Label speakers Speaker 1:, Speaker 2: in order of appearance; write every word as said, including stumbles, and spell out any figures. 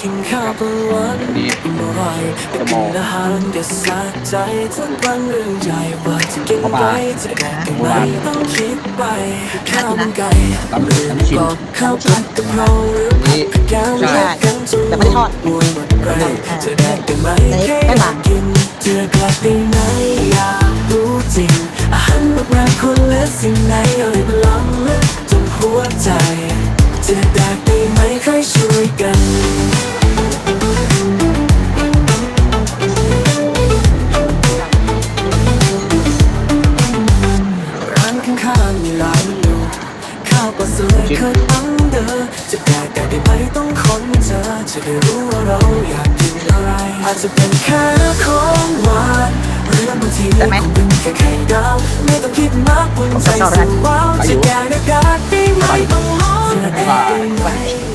Speaker 1: กินข้าวกลางวันอร่อยไปกินอาหารเด็ดสะใจทุกวันเรื่องใหญ่ว่าจะกินไปจะแดกกันไหมต้องคิดไปข้าวมันไก่หรือกรอบข้าวผัดกะเพราหรือผัดกะเพรากันจนหมดมวยหมดแรงจะแดกกันไหมแค่อยากกินจะกลับไปไหนอยากรู้จริงอาหารแบบแรงคนและสิ่งไหนอะไรพลังลึกจนหัวใจจะแดกได้ไหมใครช่วยกันร้านข้างๆมีหลายเมนูข้าวปลาสลิดเคยอังเดอจะแดกได้ไหมต้องค้นเจอจะได้รู้ว่าเราอยากกินอะไรอาจจะเป็นแค่ของหวานหรือบางทีก็เป็นแค่ไข่ดาวไม่ต้องคิดมากบนใจสุดว้าวจะแดกได้ไหมต้องลองจะแดกได้ไหม